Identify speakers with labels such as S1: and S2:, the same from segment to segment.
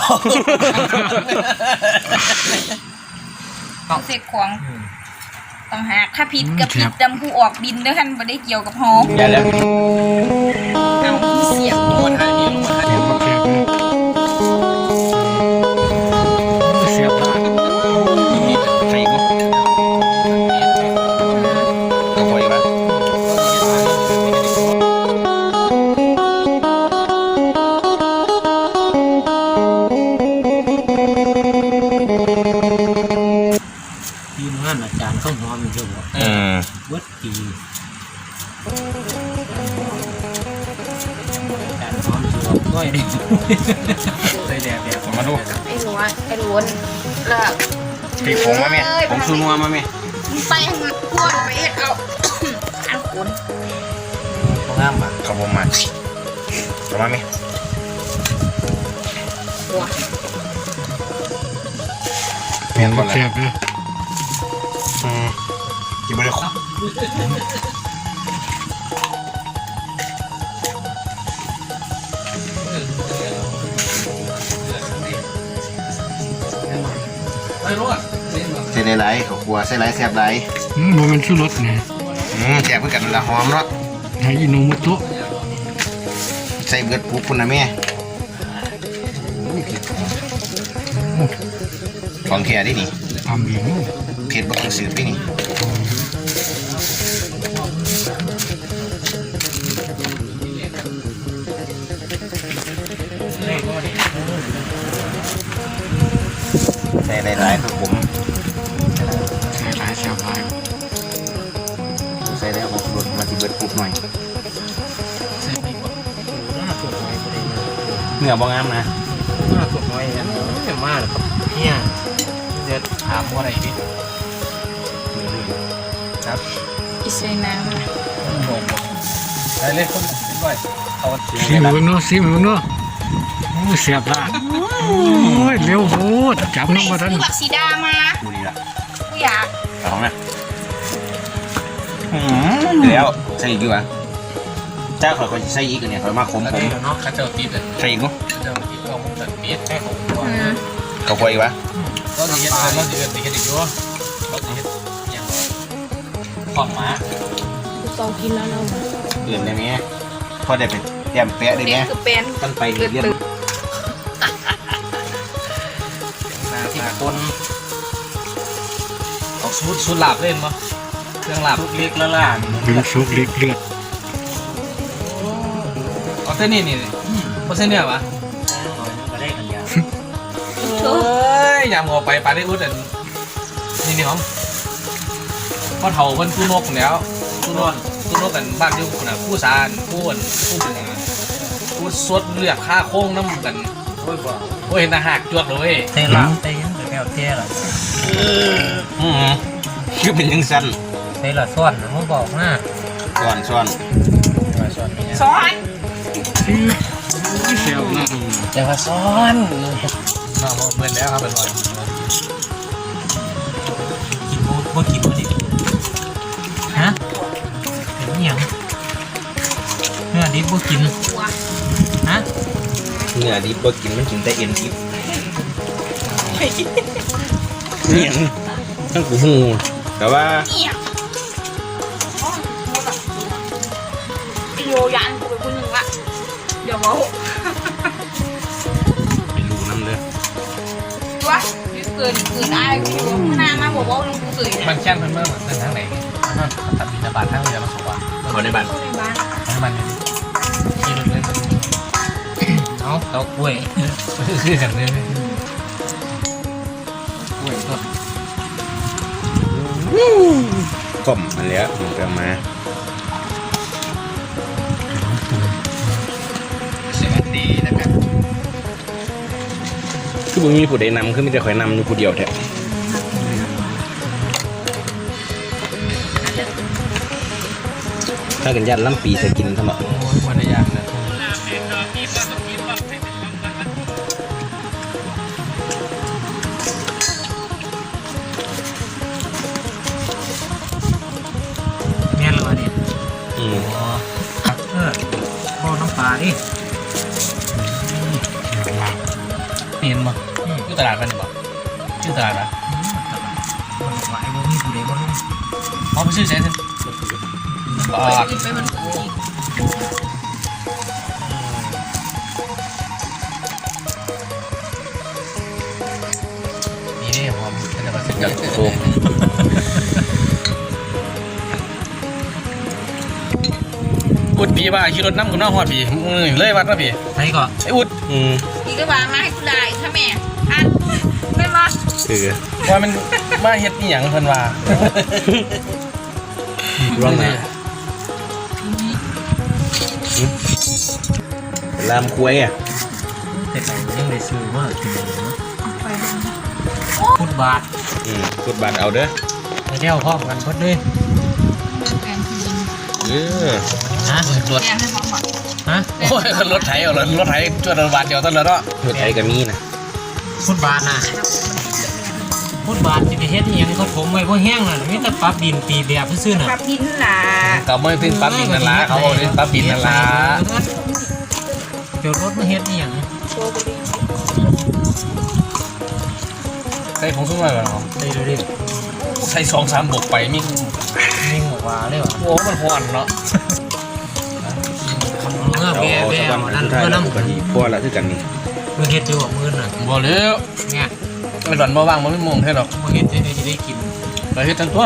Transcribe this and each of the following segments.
S1: ต้องเสกของต้องหาถ้าผิดกับผิดดำผู้ออกบินด้วยกันไม่ได้เกี่ยวกับฮออย่าแล้วเอาเสียบลงมาให้ลงมาให้
S2: เสียบละ
S3: ใส่กูก็พออยู่ปะ
S2: ทีมงานอาจารย์เข้าหอมอยู่บ่วัดตีอาจารย์หอมสวมก้อยดิใส่แดด
S3: มาดู
S1: ไอ้หนูไอ้ล้วนเลิก
S3: ตีผงมาไหมผงชูนัวมาไหม
S1: ไปพวดไปเอ็ดเอาอันขุน
S2: งามอ่ะ
S3: ขบวนมาเข้ามาไหม
S2: เปลี่ยนบทเสียบเลย
S3: กินไปเลยใส่ไหลเขากลัวใส่ไหลแซ่บไหล
S2: มันชูรสไง
S3: แซ่บเพื่อกันละหอมเนาะ
S2: ไฮอิโนมุโตะ
S3: ใส่เบิดปุ๊บคุณนะแม่ของแค่ดินี่
S2: ทำเอง
S3: เผ็ดบักสืบไปนี่ใส่หลายๆครับผม
S2: ใส่หลายเสียบหลาย
S3: ใส่แล้วผมลดมาที่เบิดปุ๊บหน่อยเนื้อบางงามนะ
S2: มากสุดน้อยเนี่ยไม่มากครับเนี่ยจะถามว่าอะไรดิ
S3: ครับ
S1: อิเซนัง
S2: ได้เลยคนด้วยเอาซีมึงเนาะซีมึงเนาะเสียบละโอ้ยเร็วโหดจับน้องมาทัน
S1: คือแบบสีดามา
S3: ดูดีละ
S1: กูอยาก
S3: เอาไหมแล้วใส่อีกดีกว่าเจ้าเขาใส่อีกเนี่ยเขามาคมผม
S2: เนาะข้าเจ้าติด
S3: ใส่อีกมั้ง
S2: ข้าเจ้าติดเราคงตัดปี๊ดแค่ของ
S3: เขาคุยวะ
S2: เราจะเห็นเราจะเห็นอีกอยู่เราจะเห็นอย่างขอนม้า
S1: ต้องกินแล้วเรา
S3: เปลี่ยนได้ไหมพอได้เป็นแต้มแปะได้ไหมตั้งไปเรียน
S2: ที่คนเอาสูตรหลาบเล่นมั้ยเครื่องหลาบเล็กแล้วล่ะเป็นซุปเล็กเลือดเอาเส้นนี่เพราะเส้นเนี่ยวะก็ได้กันยาเฮ้ยยามเอาไปปลาได้อุ้ดนี่หอมพอเถาเพิ่นกู้นกแล้วกู้นกกันบ้านอยู่น่ะผู้สารผู้สดเลือดค่าโค้งน้ำกันโอ้ยเห็นหักจวดเลย
S4: เตะละเตะยังแก้วเตะละ
S3: คือเป็นยังสั้น
S4: เตะละซ้อนมึงบอกนะ
S3: ซ้อน
S1: ซ้อน
S2: เสียวนะ
S4: จะมาซ้อน
S2: น้องเหมือนแล้วครับเป็นไร
S4: กินบ่กินบ่ดิฮะเป็นยังเนื้อดิบบ่กินฮะ
S3: เนื้อดิบบ่กินมันกินแต่เอ็นดิบเนี่ยทั้งกูหูแต่ว่า
S1: โยยันกูเป็นคนหนึ่งละเดี๋ยวมา
S3: ไม่รู้น้ำเลย
S1: วะเกินอายกูหน้ามาบอกว่าลุงกูเกิน
S2: มันแค่เมื่อทางไหนตัดบินบาททางเรือมาสวรรค์
S3: เขาในบ้าน
S2: ที่ลึกเลย
S4: เอาเต้ากล้วย
S2: คือกันเลยกล้วยก็
S3: กล่อมมาแล้วถึงจะมา
S2: สวัสดีนะครับ
S3: คือมึงมีผู้ใดนำคือมีแต่คอยนำอยู่ผู้เดียวแท้ถ้ากันยันล้ำปีจะกินทำไม
S2: วันละอย่างนะ
S4: แม่นเลยเนี่ย
S2: พ่อน้ำปลาดิ
S4: ปี
S2: เห็นบ่อยู่ตลาดมันบ่ชื่อตลาดนะ
S4: มันหลายบ่มีผู้ใดมาลง
S2: เขาไปชื่อเซนตลาด
S1: ไปมันกูอีก
S2: นี่นี่หอมเป็นอะไรสักอ
S3: จั
S2: ย่าง
S3: ดโค้ง
S2: อุดปีว่าขี่รถน้ำกับน้าหอดปีมือเลยวัดนะปี
S4: ใครก็
S2: ไอ้อุด
S1: พี่ก็วางมาให้กูได้ถ้าแม่อันไม่มา
S2: ว่ามันมาเฮ็ดนี่หยังเพิ่นว่า
S3: ร่องนะลามคุ้ยอ่ะ
S4: แต่ไหนยังได้ซื้อมากินเลยเนาะพุทธบาท
S3: กดบัตรเอาเด้อ
S4: ไปเที่ยวพร้อมกันเพิ่นเลย
S1: แกงทีน
S4: ฮะ
S2: รถ
S1: แกงให้พร้อมก่อน
S4: ฮะ
S2: โอ้ยรถไถเอารถไถช่วยรถบาทเดียวต้นเลยเนาะ
S3: รถไทยก็มีนะ
S4: พุทธบาทน่ะพุทธบาทสิไปเฮ็ดอีหยังเขาถมไว้บ่แห้งน่ะมีแต่ปรับดินตีแบบซื่อๆน่ะ
S1: ปรับดินล่ะ
S2: ก็ไม่ถึงปั๊บดินนั่นล่ะเขาบอกถึงปั๊บดินนั่นล่ะ
S4: เดี๋ยวรถมาเฮ็ดอีหยัง
S1: โชว์กูดิ
S2: ใส่ผงซุปมาเหรอ
S4: ได้เร็ว
S2: ใส่2-3บกไปมี
S4: ๆนิ่งออกว่าเลยว่ะ
S2: โอ้มันฮ้อนเนาะ
S4: เมื่อแบ่แบ่นั่นเมื่อนำ
S3: ก็ที่พวกเราคือกันนี่
S4: มื้อเฮ็ดอยู่มื้อน่ะ
S2: บ่แล้ว
S4: เนี่ย
S2: ไอ้ดอนบ่ว่างบ่มีโมงแท้ดอก
S4: มื้อเฮ็ดจะได้กิน
S2: ก็เฮ็ดทั้งตัว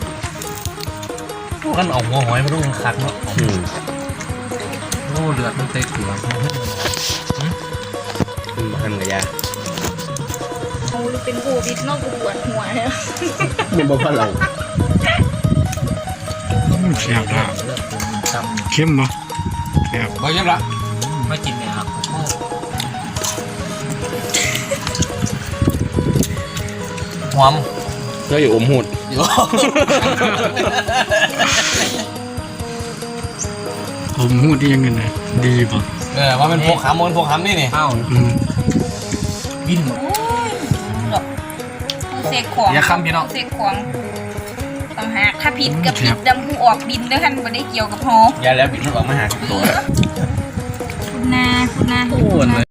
S2: กันเอาหัวหอยมาต้องคักเนาะ
S4: โอ้เลือดมันเตะเขือ
S3: ทันกับยา
S1: เอาเป็นกูบิดนอกกูปวดหัวเนี่ย
S3: มันบ่พอเรา
S5: แซ่บละ
S4: เลือดผมต่ำ
S5: เข้มบ่แซ่บ
S2: บ่ยังละ
S4: มากินเนี่ยครับโอ้
S2: หอม
S3: เราอยู่อมหูด
S2: อยู่
S5: ผมหูดยังไงนะดีป่ะ
S2: ว่ามันพกหำมันพกหำนี่นี่
S4: ข้าว บิน
S1: เสกของ
S2: อย่าคำพี่น้อง
S1: เสกของต้องหาถ้าผิดกับผิดดำหูออกบินด้วยกันบ่ได้เกี่ยวกับหอ
S3: ยาแล้วบิดมันออกมาหาตัว
S1: คุณนา
S2: อ้วนเลย